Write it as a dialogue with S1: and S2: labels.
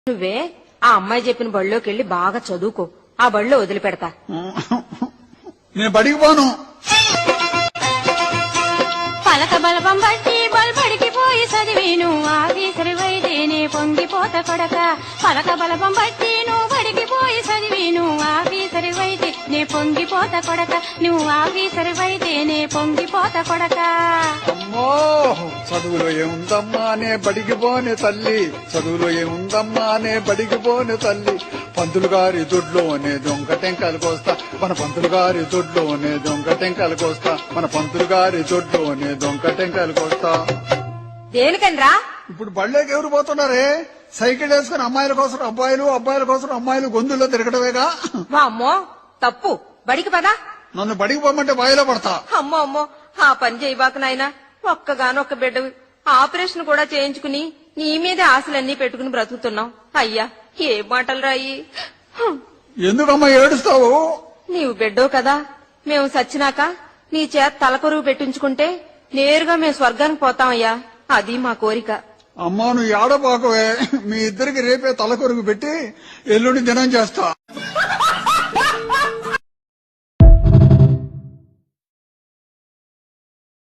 S1: నువ్వే ఆ అమ్మాయి చెప్పిన బడిలోకి వెళ్లి బాగా చదువుకో, ఆ బడిలో వదిలిపెడతా.
S2: నేను బడికి పోను.
S3: పలక బలపం బట్టి బల్బడికి పోయి చదివేను ఆఫీసరి వైదేనే పొంగిపోత కొడక. పలక బలపం బట్టి నువ్వు బడికి పోయి చదివేను ఆఫీసరి వైదే నే పొంగిపోత కొడక. నువ్వు ఆఫీసరి వైదేనే పొంగిపోత కొడక.
S2: అమ్మో చదువులో ఏముందమ్మా నే బడికి పోనే తల్లి, చదువులో ఏముందమ్మా నే బడికి పోనే తల్లి. పంతులు గారి దొడ్లోనే దొంగ టెంకాయలు కోస్తా, మన పంతులు గారి దొడ్లోనే దొంగ టెంకాయలు కోస్తా, మన పంతులు గారి దొడ్లోనే దొంగ టెంకాయలు కోస్తా.
S1: దేనికనరా?
S2: ఇప్పుడు బళ్ళేకి ఎవరు పోతున్నారే? సైకిల్ వేసుకుని అమ్మాయిల కోసం అబ్బాయిలు, అబ్బాయిల కోసం అమ్మాయిలు గొంతుల్లో తిరగడమేగా.
S1: అమ్మో తప్పు, బడికి పదా.
S2: నన్ను బడికి పోమంటే బాయిలో పడతా.
S1: అమ్మో అమ్మో ఆ పని చేయబాక నాయనా, ఒక్కగానొక్క బిడ్డవి, ఆపరేషన్ కూడా చేయించుకుని నీ మీదే ఆశలన్నీ పెట్టుకుని బ్రతుకుతున్నావు. అయ్యా ఏ మాటలు రాయి.
S2: ఎందుకమ్మా ఏడుస్తావు?
S1: నీవు బిడ్డవు కదా, మేము సచ్చినాక నీ చేత తలకొరువు పెట్టించుకుంటే నేరుగా మేము స్వర్గానికి పోతామయ్యా, అది మా కోరిక.
S2: అమ్మా నువ్వు ఏడబాకవే, మీ ఇద్దరికి రేపే తలకొరుగు పెట్టి ఎల్లుండి దినం చేస్తా.